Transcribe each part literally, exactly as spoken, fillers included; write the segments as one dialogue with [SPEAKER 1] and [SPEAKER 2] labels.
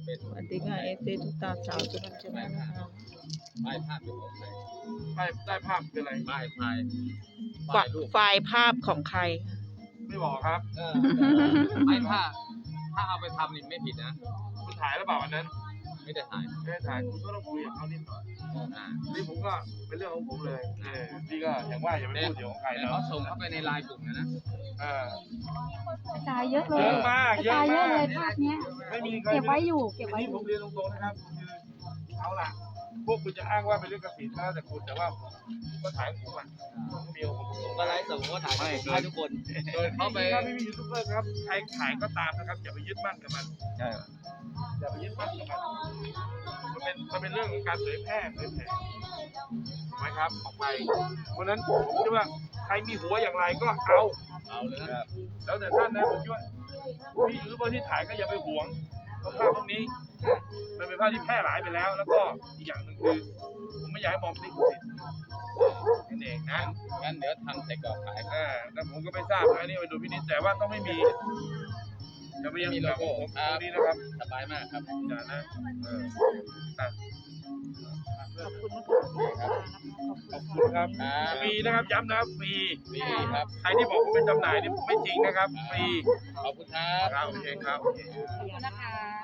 [SPEAKER 1] เป็น
[SPEAKER 2] สวัสดีค่ะเอฟซีทุกตาสาวสุนันท์ชนะนะคะ
[SPEAKER 1] ป้ายภาพเป็นของใคร
[SPEAKER 3] ได้ได้ภาพคืออะไร
[SPEAKER 1] ป้ายพาย
[SPEAKER 2] ฝ
[SPEAKER 1] ป้ายรูป
[SPEAKER 2] ไฟล์ภาพของใคร
[SPEAKER 3] ไม่บอกครับ
[SPEAKER 1] เออไม่ถ้าถ้าเอาไปทำนี่ไม่ผิดนะ
[SPEAKER 3] คุณถ่ายหรือเปล่าวันนั้น
[SPEAKER 1] ไม่ได้ถ่าย
[SPEAKER 3] ไม่ได้ถ่ายคุณก็ต้องคุยกับเขานิดหน่อย
[SPEAKER 1] อ่า
[SPEAKER 3] นี่ผมก็เป็นเรื่องของผมเลยเออพี่ก็อย่างว่าอย่าไปพูดเดี๋ยวของใคร
[SPEAKER 1] แต่
[SPEAKER 3] เนาะ
[SPEAKER 1] เขาส่งเข้าไปในไลน์กลุ่มนะนะ
[SPEAKER 3] เออก
[SPEAKER 4] ระจายเยอะเล
[SPEAKER 3] เย
[SPEAKER 4] ย
[SPEAKER 3] อะมาก
[SPEAKER 4] กระ
[SPEAKER 3] เยอะ
[SPEAKER 4] จายเย
[SPEAKER 3] มา
[SPEAKER 4] อะ
[SPEAKER 3] ก
[SPEAKER 4] เลยภาพเนี้ย
[SPEAKER 3] ไม่มีใคร
[SPEAKER 4] เก็บไว้อยู่เก็บ
[SPEAKER 3] อั
[SPEAKER 4] ไว้
[SPEAKER 3] น
[SPEAKER 4] อ
[SPEAKER 3] นี้ผ
[SPEAKER 4] ยู่
[SPEAKER 3] มเรียนตรงๆนะครับคือเอาล่ะ พวกคุณจะอ้างว่าเป็นเรื่องกสิทธิ์ก็แล้วแต่คุณแต่ว่าผมก็ถ่ายของผมอ่ะผมก็มีของผม
[SPEAKER 1] ผมก็ไลฟ์สดผมก็ถ่ายให้ทุกคนโดยเขาไป
[SPEAKER 3] ครับพี่พี่ยูทูบเบอร์ครับใครถ่ายก็ตามนะครับอย่าไปยึดมั่นกับมัน
[SPEAKER 1] ใช่
[SPEAKER 3] อย่าไปยึดมั่นกับมันมันเป็นมันเป็นเรื่องของการเผยแพร่เผยแพร่ถูกไหมครับออกไปเพราะฉะนั้นผมคิดว่าใครมีหัวอย่างไรก็เอา
[SPEAKER 1] เอาเลยนะ
[SPEAKER 3] แล้วแต่ท่านนะผมคิดว่าพี่ยูทูบเบอร์ที่ถ่ายก็อย่าไปหวงเพราะภาพพวกนี้มันเป็นภาพที่แพร่หลายไปแล้ว แล้วก็อีกอย่างหนึ่งคือผมไม่อยากให้มองเป็นลิขสิทธิ์นั่นเองนะ
[SPEAKER 1] งั้นเดี๋ยวทำใส่กรอบขาย
[SPEAKER 3] อ่าแต่ผมก็ไม่ทราบนะอันนี่ไปดูพินิจแต่ว่าต้องไม่มีจะไม่ยังมีโลโก้ผมตรงนี้นะครับ
[SPEAKER 1] สบายมากครับ
[SPEAKER 3] อย่านะเอออ่ะ
[SPEAKER 2] ขอบคุณนะคะ
[SPEAKER 3] ขอบคุณครับ
[SPEAKER 1] ครับ
[SPEAKER 3] ฟรีนะครับย้ำนะครับฟรี
[SPEAKER 1] ดีครับ
[SPEAKER 3] ใครที่บอกว่าเป็นจำหน่ายนี่ไม่จริงนะครับฟรี
[SPEAKER 1] ขอบคุณครับ
[SPEAKER 3] ครับโอเคครับ
[SPEAKER 4] ขอบคุณนะคะ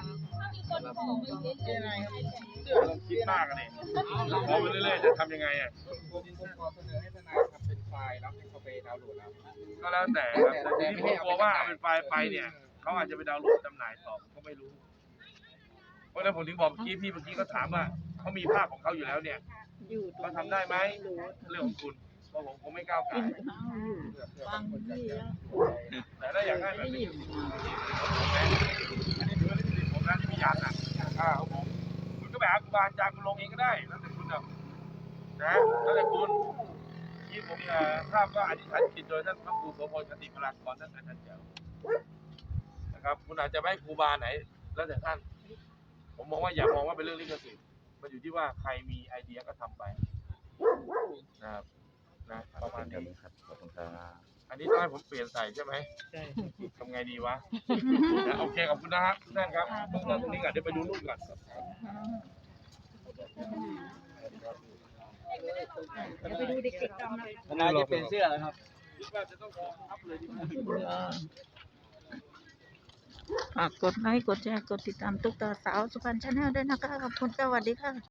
[SPEAKER 3] เราคิดมากกันนี่พอไปเรื่อยๆจะทำยังไงอ่ะ
[SPEAKER 5] ผมขอเสนอให้ทนายทำเป็นไฟล์แล้วให้เขาไปดาวน์โหลดเอา
[SPEAKER 3] ก็แล้วแต่ครับแต่ทีนี้ผมกลัวว่าเอาเป็นไฟล์ไปเนี่ยเขาอาจจะไปดาวน์โหลดจำหน่ายต่อผมก็ไม่รู้ เพราะฉะนั้นผมถึงบอกเมื่อกี้พี่เมื่อกี้ก็ถามว่าเขามีภาพของเขาอยู่แล้วเนี่ย
[SPEAKER 2] อยู่ตรง
[SPEAKER 3] เขาทำได้ไหม
[SPEAKER 2] รู้
[SPEAKER 3] เรื่องของคุณเพราะผมคงไม่ก้าวไก่
[SPEAKER 2] กินข้าวอยู่ฟังพี่แล้ว
[SPEAKER 3] แต่ถ้าอยากได้แบบนี้อันนี้ถือว่าลิขสิทธิ์ผมนะที่มียันอ่ะอ่าของผมคุณก็ไปหาครูบาอาจารย์คุณลงเองก็ได้แล้วแต่คุณเอานะแล้วแต่คุณที่ผมเอ่อภาพก็อธิษฐานจิตโดยท่านพระครูโสพลคติพลากรท่านอาจารย์เจ้านะครับคุณอาจจะไม่ให้ครูบาไหน แล้วแต่ท่าน ผมมองว่าอย่ามองว่าเป็นเรื่องลิขสิทธิ์มันอยู่ที่ว่าใครมีไอเดียก็ทำไปนะครับนะประมาณนี้
[SPEAKER 1] ครับขอบคุณครับ
[SPEAKER 3] อันนี้ต้องให้ผมเปลี่ยนใส่ใช่ไหม
[SPEAKER 2] ใช่
[SPEAKER 3] ทำไงดีวะนะโอเคขอบคุณนะฮะทุกท่านครับต้องตรงนี้ก่อนเดี๋ยวไปดูรูปก่อน
[SPEAKER 4] เดี๋ยวไปดูเด็กๆกันนะ
[SPEAKER 1] ทนายจะเปลี่ยนเสื้อแล้วครับ
[SPEAKER 3] คิดว่าจะต้องขอทับเลยดีไหม
[SPEAKER 2] ฝากกดไลค์กดแชร์กดติดตามตุ๊กตาสาวสุพรรณชาแนลด้วยนะคะขอบคุณค่ะสวัสดีค่ะ